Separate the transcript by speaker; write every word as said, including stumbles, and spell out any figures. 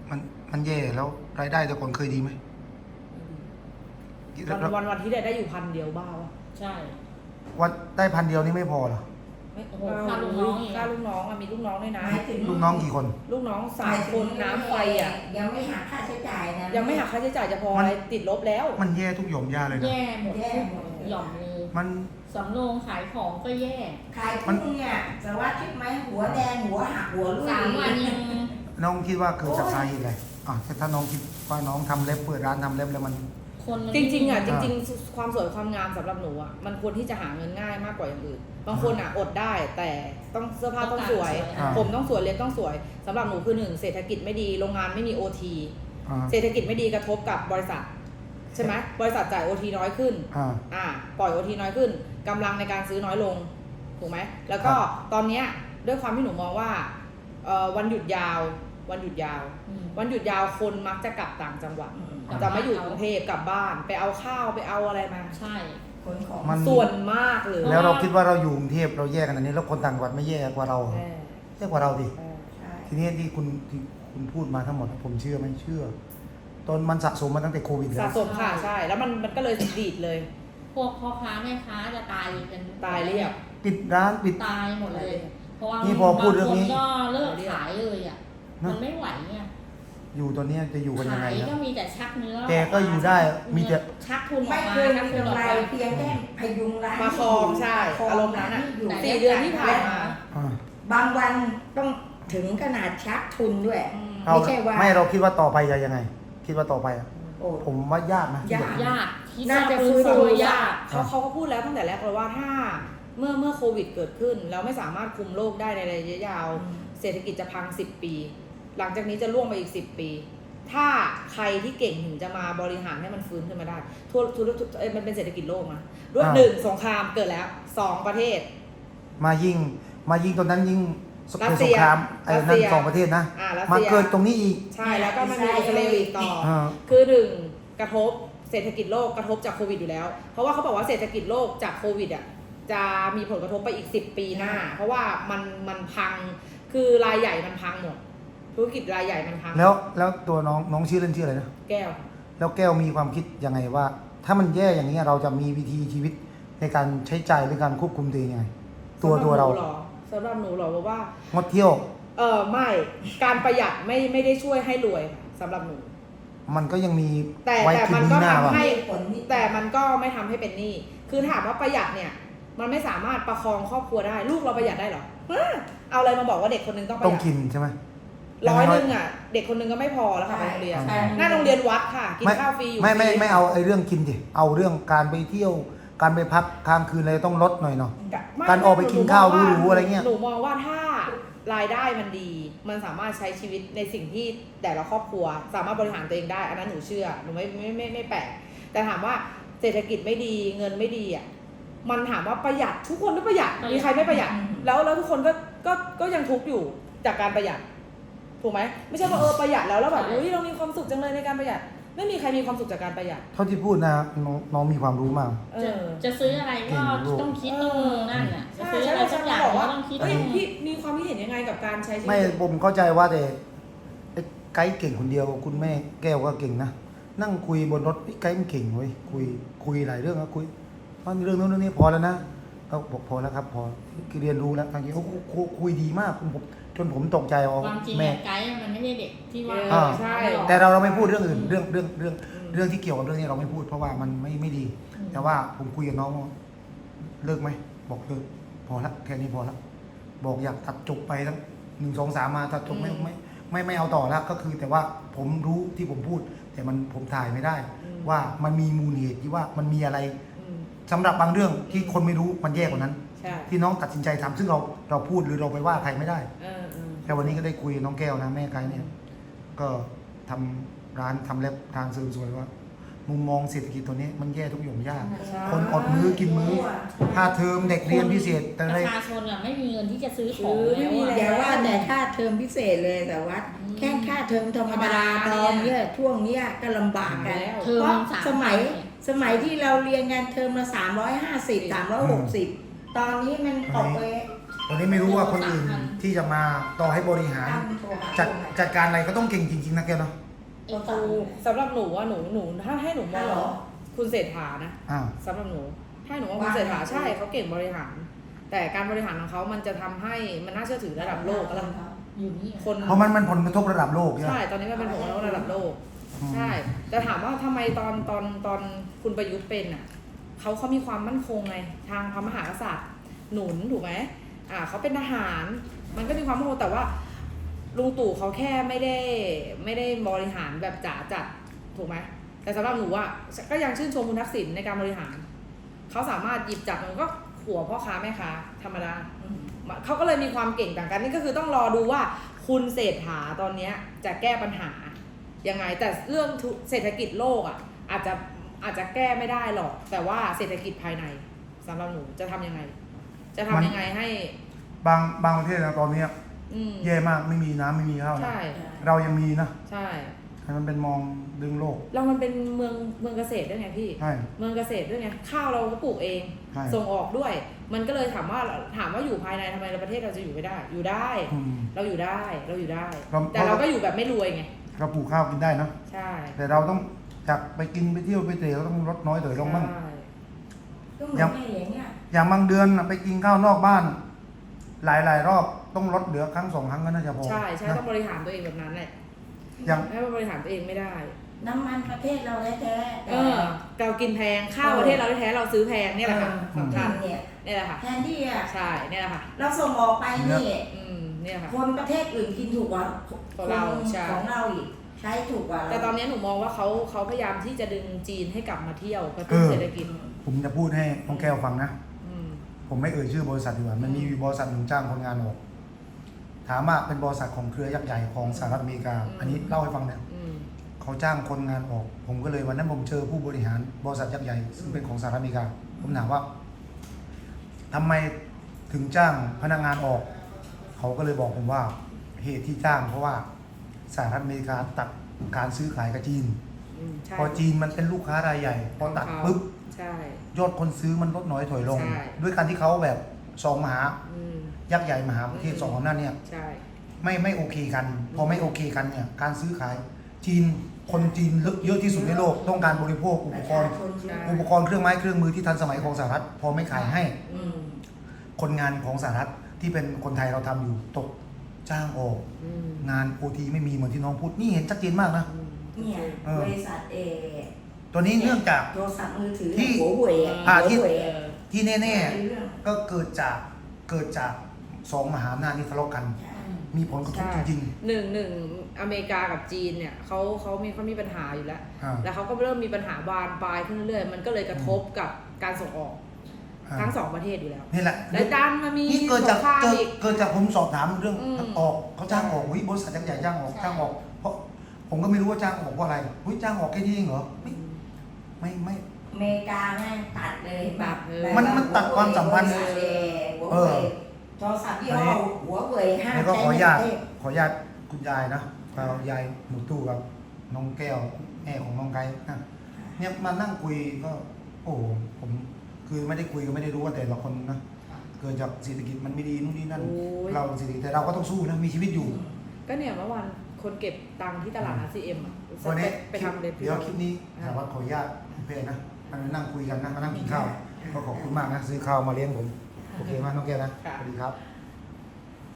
Speaker 1: มันมันแย่แล้วรายได้แต่ก่อนเคยดีไหม
Speaker 2: วันวันวันที่ได้ได้อยู่พันเดียวบ้าวะ
Speaker 3: ใช่
Speaker 1: วันได้พันเดียวนี่ไม่พอเหรอ
Speaker 2: ไม่
Speaker 3: โอ้โหค่าลูกน้องอีก
Speaker 2: ค่าลูกน้องอะมีลูกน้องด้วยนะ
Speaker 4: หมายถึง
Speaker 1: ลูกน้องกี่คน
Speaker 2: ลูกน้องสามคนน้ำไฟอ่ะ
Speaker 4: ยังไม่หักค่าใช้จ่ายนะ
Speaker 2: ยังไม่หักค่าใช้จ่ายจะพออะไรติดลบแล้ว
Speaker 1: มันแย่ทุกหย่อมย่าเลยนะ
Speaker 3: แย่หมด
Speaker 4: แย่หมด
Speaker 3: หย่อมเลย
Speaker 1: มัน
Speaker 3: สำโรงขายของก็แย่
Speaker 4: ขายกุ้งเนี่ยสารวัตรคิดไหมหัวแดงหัวหักหัวรุ่ย
Speaker 3: สามวันยัง
Speaker 1: น้องคิดว่าเกิดจากสาเหตุอะไรอ่ะถ้าน้องคิดว่าน้องทำเล็บเปิดร้านทำเล็บแล้วมัน
Speaker 3: คนมัน
Speaker 2: จริงๆอ่ะจ
Speaker 1: อ่า
Speaker 2: ริงๆ ความสวยความงามสำหรับหนูอ่ะมันควรที่จะหาเงินง่ายมากกว่าอย่างอื่นบางคนอ่ะอดได้แต่ต้องเสื้อผ้าต้องสวย
Speaker 1: อ่า
Speaker 2: ผมต้องสวยเล็บต้องสวยสำหรับหนูคือหนึ่งเศรษฐกิจไม่ดีโรงงานไม่มี โอ ที
Speaker 1: อ่า
Speaker 2: เศรษฐกิจไม่ดีกระทบกับบริษัทใช่ไหมบริษัทจ่าย โอ ที น้อยขึ้น
Speaker 1: อ่า
Speaker 2: อ่าปล่อย โอ ที น้อยขึ้นกำลังในการซื้อน้อยลงถูกไหมแล้วก็
Speaker 1: ครับ
Speaker 2: ตอนเนี้ยด้วยความที่หนูมองว่าเอ่อวันหยุดยาววันหยุดยาว
Speaker 3: อืม
Speaker 2: วันหยุดยาวคนมักจะกลับต่างจังหวัด
Speaker 3: กลับ
Speaker 2: จะไม่อยู่
Speaker 3: บ้าน
Speaker 2: กรุงเทพกลับบ้านไปเอาข้าวไปเอาอะไรมา
Speaker 3: ใช่
Speaker 4: ขนของ
Speaker 1: มัน
Speaker 2: ส่วนมากเลย
Speaker 1: แล้วเราคิดว่าเราอยู่กรุงเทพเราแย่ขนาดนี้แล้วคนต่างจังหวัดไม่แย่กว่าเรา
Speaker 2: เออ
Speaker 1: แย่กว่าเราดิ
Speaker 2: เออ
Speaker 4: ใช่
Speaker 1: ทีนี้ที่คุณที่คุณพูดมาทั้งหมดผมเชื่อไหมเชื่อตอนมันสะสมมาตั้งแต่โควิดแล้
Speaker 2: สะ
Speaker 1: ว
Speaker 2: สมค่ะใช่ แล้วมันมันก็เลยดีดเลย
Speaker 3: พวกพ่อค้าแม่ค้าจะตายกัน
Speaker 2: ตายเรียบ
Speaker 1: ปิดร้านปิด
Speaker 3: ตายหมดเลย เพราะว่า
Speaker 1: นี่พอพูดเรื่องนี้
Speaker 3: บางคนก็เลิกขายเลยอ่ะ
Speaker 1: นะ
Speaker 3: มันไม่ไหวไง
Speaker 1: อยู่ตอนนี้จะอยู่กันยัง
Speaker 3: ขา
Speaker 1: ไง
Speaker 3: ย
Speaker 1: นะ
Speaker 3: ก็มีแต่ชักเนื้อ
Speaker 1: แกก็อยู่ได้มีแต่
Speaker 3: ชักทุนอ
Speaker 4: ไม่
Speaker 3: อกมา
Speaker 4: เคย
Speaker 3: ชัก
Speaker 4: มี
Speaker 3: ทุนออก
Speaker 4: กำไร
Speaker 3: มา
Speaker 4: เพียงแค่พยุงร้าน
Speaker 2: มาครองใช่อารมณ์นั้นอ่ะ
Speaker 4: อยู่
Speaker 2: สี่เดือนที่ผ่านมา
Speaker 1: อ่า
Speaker 4: บางวันต้องถึงขนาดชักทุนด้วย
Speaker 2: อืม
Speaker 1: เรา
Speaker 4: ไม่ใช่ว่า
Speaker 1: ไม่เราคิดว่าต่อไปจะยังไง คิดว่าต่อไปอะ
Speaker 4: โอ้
Speaker 1: ผมว่ายากนะ
Speaker 4: ยาก
Speaker 3: ยากคิด
Speaker 4: น่าจะ
Speaker 3: ฟื้
Speaker 4: ฟื้นฟู
Speaker 3: ยาย
Speaker 4: าก ก
Speaker 2: เขาเขาก็พูดแล้วตั้งแต่แรกเลยว่าถ้าเมื่อเมื่อโควิดเกิดขึ้น แล้วไม่สามารถคุมโรคได้ในระยะยาว
Speaker 4: อืม
Speaker 2: เศรษฐกิจจะพังสิบปี หลังจากนี้จะล่วงไปอีกสิบปี ถ้าใครที่เก่งถึงจะมาบริหารให้มันฟื้นขึ้นมาได้ทั่วทุกเอ้ยมันเป็นเศรษฐกิจโลกนะด้วย
Speaker 1: อ่า
Speaker 2: หนึ่งสงครามเกิดแล้วสองประเทศ
Speaker 1: มายิงมายิงตอนนั้นยิงส
Speaker 2: รัส
Speaker 1: ส
Speaker 2: เซี
Speaker 1: ง
Speaker 2: ย
Speaker 1: ครามไอ้
Speaker 2: รัส
Speaker 1: นั่
Speaker 2: เซี
Speaker 1: น
Speaker 2: ย
Speaker 1: สองประเทศนะ
Speaker 2: อ่ารัส
Speaker 1: มา
Speaker 2: เซีย
Speaker 1: เกิดตรงนี้อีก
Speaker 2: ใช่แล้วก็มันมีอิสราเอลอีกต่อ
Speaker 1: อ่า
Speaker 2: คือหนึ่งกระทบเศรษฐกิจโลกกระทบจากโควิดอยู่แล้ว เพราะว่าเขาบอกว่าเศรษฐกิจโลกจากโควิดอ่ะจะมีผลกระทบไปอีกสิบปีหน้า เพราะว่ามันมันพังคือรายใหญ่มันพังหมดธุรกิจรายใหญ่มันพัง
Speaker 1: แล้วแล้วตัวน้องน้องชื่อเล่นชื่ออะไรนะ
Speaker 2: แก้ว
Speaker 1: แล้วแก้วมีความคิดยังไงว่า ถ้ามันแย่อย่างนี้ยเราจะมีวิธีชีวิตในการใช้จ่ายหรือการควบคุมตัวเองยังไง ตัวตัวเรา
Speaker 2: สำหรับหนูเหรอสำหรับหนูเหรอบอกว่า
Speaker 1: งดเที่ยว
Speaker 2: เออไม่การประหยัดไม่ไม่ได้ช่วยให้รวยค่ะสำหรับหนู
Speaker 1: มันก็ยังมี
Speaker 2: แต่
Speaker 1: ไว้
Speaker 2: แต่
Speaker 1: คื
Speaker 2: มัน
Speaker 1: น
Speaker 2: ก็
Speaker 1: นี้หน้า
Speaker 2: ทำ
Speaker 1: ว่ะ
Speaker 2: ให้
Speaker 4: ผลนี่
Speaker 2: แต่มันก็ไม่ทำให้เป็นหนี้คือถามว่าประหยัดเนี่ยมันไม่สามารถประคองครอบครัวได้ลูกเราประหยัดได้เหรอฮะเอาอะไรมาบอกว่าเด็กคนนึงต้องประ
Speaker 1: ต้อง
Speaker 2: หยัด
Speaker 1: กินใช่ไหม
Speaker 2: ร้อยหนึ่งอ่ะเด็กคนนึงก็ไม่พอแล้วค่ะไปโรงเรียน
Speaker 4: ใช่
Speaker 2: หน้าโรงเรียนวัดค่ะ กิน
Speaker 1: ไม่
Speaker 2: ข้าวฟรีอยู่
Speaker 1: ไม่ไม่
Speaker 2: ฟรี
Speaker 1: ไม่เอาไอ้เรื่องกินดิเอาเรื่องการไปเที่ยว การไปพักค้างคืนอะไรต้องลดหน่อยเนาะ
Speaker 2: ไม่
Speaker 1: การออกไปกินข้าวหรูๆอะไรเงี้ย
Speaker 2: หนูมองว่าถ้ารายได้มันดี มันสามารถใช้ชีวิตในสิ่งที่แต่ละครอบครัว สามารถบริหารตัวเองได้ อันนั้นหนูเชื่อหนูไม่ไม่ไม่ไม่แปลกแต่ถามว่าเศรษฐกิจไม่ดีเงินไม่ดีอ่ะมันถามว่าประหยัดทุกคนก็ประหยัดมีใครไม่ประหยัด แล้วแล้วทุกคนก็ก็ก็ยังทุกข์อยู่จากการประหยัดถูกไหมไม่ใช่ว่าเออประหยัดแล้วแล้วแบบอุ้ยเรามีความสุขจังเลยในการประหยัด ไม่มีใครมีความสุขจากการประหยัด
Speaker 1: เท่าที่พูดนะน้องน้องมีความรู้มาก
Speaker 2: เอ
Speaker 3: จะ
Speaker 2: อ
Speaker 3: จะซื้ออะไรก็
Speaker 1: เก่งลูก
Speaker 3: ต้องคิดต้องนั่นอ่ะจะ
Speaker 2: ใช่
Speaker 3: ซื้อ
Speaker 2: ใช่
Speaker 3: อะไรสักอย่าง
Speaker 2: บอก
Speaker 3: ก็
Speaker 2: ว่า
Speaker 3: ต้องคิด
Speaker 2: เฮ้ย
Speaker 3: ต้อง
Speaker 2: พี่มีความคิดเห็นยังไงกับการใช้ชีวิต
Speaker 1: ไม่ผมเข้าใจว่าแต่ไอ้ไกด์เก่งคนเดียวคุณแม่แก้วก็เก่งนะนั่งคุยบนรถไอ้ไกด์มันเก่งเว้ยคุยคุยหลายเรื่องนะคุยเพราะเรื่องนู้นเรื่องนี้พอแล้วนะเขาบอกพอแล้วครับ พอเรียนรู้แล้วทางนี้เขาคุยคุยดีมากผมจนผมตกใจว่า
Speaker 3: ความจริง
Speaker 1: แม่
Speaker 3: อะไกด์มันไม่ใช่เด็กที่ว่า
Speaker 2: เออใช่
Speaker 1: แต่เราเราไม่พูดเรื่องอื่นเรื่องเรื่องเรื่องเรื่องที่เกี่ยวกับเรื่องนี้เราไม่พูดเพราะว่ามันไม่ไม่ดี แต่ว่าผมคุยกับน้องว่าเลิกไหมบอกเลิกพอละแค่นี้พอละบอกอยากตัดจบไปทั้งหนึ่งสองสามมาตัดจบไม่ไม่ไม่ไม่เอาต่อแล้วก็คือ แต่ว่าผมรู้ที่ผมพูด แต่มันผมถ่ายไม่ได้
Speaker 2: อืม
Speaker 1: ว่ามันมีมูลเหตุที่ว่ามันมีอะไร
Speaker 2: อืม
Speaker 1: สำหรับบางเรื่องที่คนไม่รู้มันแย่กว่านั้น
Speaker 2: ใช่
Speaker 1: ที่น้องตัดสินใจทำซึ่งเราเราพูดหรือเราไปว่าใครไม่ได้
Speaker 2: เออเออ
Speaker 1: แต่วันนี้ก็ได้คุยกับน้องแก้วนะแม่ไกด์เนี่ย ก็ทำร้านทำเล็บทางเสริมสวยว่า มุมมองเศรษฐกิจตัวนี้มันแย่ทุกหย่อมย่า
Speaker 2: ใช่
Speaker 1: คนอดมื้อกินมื้อค่าเทอมเด็กเรียนพิเศษแต่
Speaker 3: ป
Speaker 1: อะไร
Speaker 3: ระชาชนอะไม่มีเงินที่จะซื้อของ
Speaker 2: ซื้อไม่
Speaker 3: แล้ว
Speaker 2: มี
Speaker 3: อะ
Speaker 4: อย่าว่าแต่ค่าเทอมพิเศษเลยแต่ว่า
Speaker 3: อืม
Speaker 4: แค่ค่าเทอมธรรมดา
Speaker 2: ธรรมดา
Speaker 4: ตอนเนี้ยช่วงเนี้ยก็ลำบากกัน
Speaker 2: แล้ว
Speaker 3: เทอม
Speaker 4: เพราะ
Speaker 3: สาม
Speaker 4: สมัย
Speaker 3: พัน
Speaker 4: สมัยที่เราเรียนกันเทอมละสามร้อยห้าสิบสามร้อยหกสิบตอนนี้มันตกไป
Speaker 1: ตอนนี้ไม่รู้ว่าคนอื่นที่จะมาต่อให้บริหาร
Speaker 4: ตั้งตัวหา
Speaker 1: จัด
Speaker 4: คน
Speaker 1: จัดการอะไรก็ต้องเก่งจริงๆนะแกเนาะ
Speaker 3: ไอ้ตู
Speaker 2: สำหรับหนูว่าหนูหนูถ้าให้หนูม
Speaker 4: ฮั
Speaker 2: อ
Speaker 4: ลโหล
Speaker 2: งคุณเศรษฐานะ
Speaker 1: อ่า
Speaker 2: สำหรับหนูถ้าหนูว่าคุณเศรษฐา
Speaker 4: ว่าไง
Speaker 2: ใช่เขาเก่งบริหาร แต่การบริหารของเขามันจะทำให้มันน่าเชื่อถือระดับโลกอะไร
Speaker 3: อยู่นี่
Speaker 2: คน
Speaker 1: เพราะมันมันผลกระทบระดับโลกใช่ไหม
Speaker 2: ใช่ ตอนนี้มันเป็นผลกระทบระดับโลก
Speaker 1: อืม
Speaker 2: ใช่ แต่ถามว่าทำไมตอนตอนตอนคุณประยุทธ์เป็นอ่ะเขาเขามีความมั่นคงไงทางพระมหากษัตริย์หนุนถูกไหมอ่าเขาเป็นทหาร มันก็มีความมั่นคงแต่ว่าลุงตู่เขาแค่ไม่ได้ไม่ได้บริหารแบบจ๋าจัดถูกไหมแต่สำหรับหนูอ่ะก็ยังชื่นชมคุณทักษิณในการบริหารเขาสามารถหยิบจับมันก็ขัวพ่อค้าแม่ค้าธรรมดา
Speaker 4: อืม
Speaker 2: เขาก็เลยมีความเก่งต่างกันนี่ก็คือต้องรอดูว่าคุณเศรษฐาตอนเนี้ยจะแก้ปัญหายังไงแต่เรื่องทุเศรษฐกิจโลกอ่ะอาจจะอาจจะแก้ไม่ได้หรอก แต่ว่าเศรษฐกิจภายในสำหรับหนูจะทำยังไง จะทำยังไงให้
Speaker 1: บางบางประเทศนะตอนเนี้ย
Speaker 2: อืม
Speaker 1: แย่มากไม่มีน้ำไม่มีข้าวนะ
Speaker 2: ใช่
Speaker 1: เรายังมีนะ
Speaker 2: ใช่
Speaker 1: ให้มันเป็นมองดึงโลก
Speaker 2: เรามันเป็นเมืองเมืองเกษตรด้วยไงพี่
Speaker 1: ใช่
Speaker 2: เมืองเกษตรด้วยไงข้าวเราก็ปลูกเอง
Speaker 1: ใช่
Speaker 2: ส่งออกด้วย มันก็เลยถามว่าถามว่าอยู่ภายในทำไมประเทศเราจะอยู่ไม่ได้ อยู่ได้
Speaker 1: อืม
Speaker 2: เราอยู่ได้เราอยู่ได้
Speaker 1: เรา
Speaker 2: แต่เราก็อยู่แบบไม่รวยไง
Speaker 1: เราปลูกข้าวกินได้นะ
Speaker 2: ใช่
Speaker 1: แต่เราต้องจากไปกินไปเที่ยวไปเตะเราต้องลดน้อยถอยลงบ้าง
Speaker 2: ใช่
Speaker 4: ก็เหมือนแม่อย่างเงี้ย
Speaker 1: อย่างบางเดือนน่ะไปกินข้าวนอกบ้าน หลายหลายๆรอบต้องลดเหลือครั้งสองครั้งก็น่าจะพอ
Speaker 2: ใช่ใช่
Speaker 1: นะ
Speaker 2: ต้องบริหารตัวเองแบบนั้นแหละ
Speaker 1: อย่าง
Speaker 2: ให้มันบริหารตัวเองไม่ได้
Speaker 4: น้ำมันประเทศเราแท้ๆ
Speaker 2: เออเรากินแพงข้าวประเทศเราแท้ๆเราซื้อแพงเนี่ยแหละค่ะ
Speaker 4: เออ
Speaker 2: สำคัญ
Speaker 4: เนี่ย
Speaker 2: เนี่ยแหละค่ะ
Speaker 4: แทนที่อ่ะ
Speaker 2: ใช่เนี่ยแหละค่ะ
Speaker 4: เราส่งออกไปนี่
Speaker 2: อืมเนี่ยค่ะ
Speaker 4: คนประเทศอื่นกินถูกกว่า
Speaker 2: ของเรา
Speaker 4: คน
Speaker 2: ใช่
Speaker 4: ของเราอีกใช้ถูกกว่าเรา
Speaker 2: แต่ตอนนี้หนูมองว่าเขาเขาพยายามที่จะดึงจีนให้กลับมาเที่ยวกระตุ้นเศรษฐกิจ
Speaker 1: ผมจะพูดให้น้องแก้วฟังนะ
Speaker 2: อืม
Speaker 1: ผมไม่เอ่ยชื่อบริษัทดีกว่า มันมีบริษัทหนึ่งจ้างคนงานออก ถามว่าเป็นบริษัทของเครือยักษ์ใหญ่ของสหรัฐอเมริกา อันนี้เล่าให้ฟังเนี่ย
Speaker 2: อืม
Speaker 1: เขาจ้างคนงานออก ผมก็เลยวันนั้นผมเจอผู้บริหารบริษัทยักษ์ใหญ่ซึ่งเป็นของสหรัฐอเมริกา ผมถามว่าทำไมถึงจ้างพนักงานออก เขาก็เลยบอกผมว่าเหตุที่จ้างเพราะว่าสหรัฐอเมริกาตัดการซื้อขายกับจีน
Speaker 2: อืมใช่
Speaker 1: พอจีนมันเป็นลูกค้ารายใหญ่ พอตัดปุ๊บ
Speaker 2: ใช่
Speaker 1: ยอดคนซื้อมันลดน้อยถอยลง
Speaker 2: ใช่
Speaker 1: ด้วยการที่เขาแบบสองมหา
Speaker 2: อืม
Speaker 1: ยักษ์ใหญ่มหาประเทศ
Speaker 2: อืม
Speaker 1: สองอำนาจเนี่ย
Speaker 2: ใช่
Speaker 1: ไม่ไม่โอเคกัน พอไม่โอเคกันเนี่ยการซื้อขายจีนคนจีนเยอะที่สุดในโลกต้องการบริโภคอุ
Speaker 4: ป
Speaker 1: ประ ก
Speaker 4: ชาร
Speaker 1: ณ์
Speaker 4: ชนเยอะ
Speaker 1: อุปกรณ์เครื่องไม้เครื่องมือที่ทันสมัยของสหรัฐพอไม่ขายให้
Speaker 2: อืม
Speaker 1: คนงานของสหรัฐที่เป็นคนไทยเราทำอยู่ตกจ้างออก
Speaker 2: อืม
Speaker 1: งานโอทีไม่มีเหมือนที่น้องพูดนี่เห็นชัดเจนมากนะ
Speaker 2: อืม
Speaker 4: เนี่ย
Speaker 1: เออ
Speaker 4: บริษัทเอ
Speaker 1: ตัวนี้เนื่องจาก
Speaker 4: โทรศัพท์มือถือ
Speaker 1: ที่
Speaker 4: หัวเว่ยอะ
Speaker 1: อ่า
Speaker 4: หั
Speaker 1: ที่
Speaker 4: วเว่ย
Speaker 2: เอ
Speaker 4: อะ
Speaker 2: อ
Speaker 1: ที่แน่
Speaker 4: เรื่อง
Speaker 1: ๆก็เกิดจากเกิดจากสองมหาอำนาจนี้ทะเลาะกัน
Speaker 4: ใช่
Speaker 1: มีผลกระทบจริง
Speaker 2: หนึ่งหนึ่งอเมริกากับจีนเนี่ยเขาเขามีเขามีปัญหาอยู่แล้ว
Speaker 1: ๆอ่า
Speaker 2: แล้วเขาก็เริ่มมีปัญหาบานปลายขึ้นเรื่อยๆ มันก็เลยกระทบกับการส่งออก
Speaker 1: อ่า
Speaker 2: ทั้งสองประเทศอยู่แล้ว
Speaker 1: นี่แหละ
Speaker 2: และดันมามี
Speaker 1: นี่เกิดจาก
Speaker 2: สงคราม
Speaker 1: เกิด
Speaker 2: อีก
Speaker 1: เกิดจากผมสอบถามเรื่อง
Speaker 2: อืม
Speaker 1: ออกเขาจ้างออกวิบริษัทยักษ์ใหญ่จ้างออก
Speaker 3: ใช่
Speaker 1: จ้างออก เพราะผมก็ไม่รู้ว่าจ้างออกเพราะอะไรหุ้ยจ้างออกแค่นี้เองเหรอไม่ไม่ไม่
Speaker 4: อเมริกาแม่งตัดเลยแบบ
Speaker 2: เออ
Speaker 4: แบบ
Speaker 1: มันมันตัดความสัมพันธ์
Speaker 4: บริษัทเอหัว
Speaker 1: เอ
Speaker 4: เว่
Speaker 1: อ
Speaker 4: ยโทรศัพท์ยี่ห้อหัวเว่ยห้าม
Speaker 1: แล้วก็
Speaker 4: ใช้
Speaker 1: ขออ
Speaker 4: ใน
Speaker 1: นุญา
Speaker 4: ป
Speaker 1: ต
Speaker 4: ระเทศ
Speaker 1: ขออนุญาตคุณยายนะเรายายหนูตู้กับน้องแก้วแม่ของน้องไก่นะเนี่ยมานั่งคุยก็โอ้โหผมคือไม่ได้คุยก็ไม่ได้รู้ว่าแต่ละคนนะเกิดจากเศรษฐกิจมันไม่ดีนู่นนี่นั่น
Speaker 2: โอ้ย
Speaker 1: เราเศรษฐกิจแต่เราก็ต้องสู้นะมีชีวิตอยู่
Speaker 2: ก็เนี่ยเมื่อวานคนเก็บตังค์ที่ตลาดอาซีเอ็มอ่ะ
Speaker 1: วันนี้
Speaker 2: ไปทำเลย
Speaker 1: เดี๋ยวคลิปนี้ถามว่าขออนุญาตเพจนะมานั่งคุยกันนะมานั่งกินข้าวก็ขอบคุณมากนะซื้อข้าวมาเลี้ยงผมโอเคมากน้องแก้วนะสวัสดีครับ